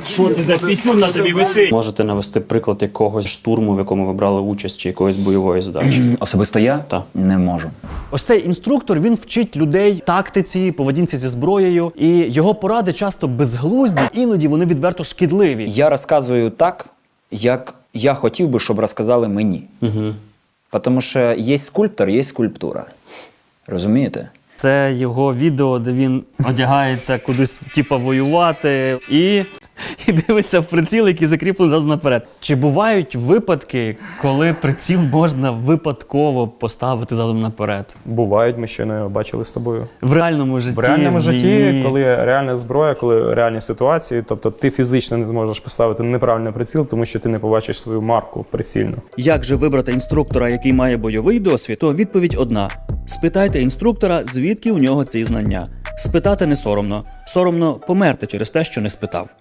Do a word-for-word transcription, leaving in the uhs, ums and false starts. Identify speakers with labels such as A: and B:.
A: Що це за пісюн на тобі висить?
B: Можете навести приклад якогось штурму, в якому ви брали участь, чи якоїсь бойової задачі?
C: Особисто я
B: Так.
C: не можу.
D: Ось цей інструктор, він вчить людей тактиці, поведінці зі зброєю, і його поради часто безглузді, іноді вони відверто шкідливі.
C: Я розказую так, як я хотів би, щоб розказали мені.
B: Угу.
C: Тому що є скульптор, є скульптура. Розумієте?
D: Це його відео, де він одягається кудись, типа, воювати і, і дивиться в приціл, який закріплений задом наперед. Чи бувають випадки, коли приціл можна випадково поставити задом наперед?
E: Бувають, ми щойно його бачили з тобою.
D: В реальному житті?
E: В реальному
D: в
E: житті,
D: війні?
E: коли реальна зброя, коли реальні ситуації, тобто ти фізично не зможеш поставити неправильний приціл, тому що ти не побачиш свою марку прицільну.
F: Як же вибрати інструктора, який має бойовий досвід, то відповідь одна. Спитайте інструктора, звідки у нього ці знання. Спитати не соромно. Соромно померти через те, що не спитав.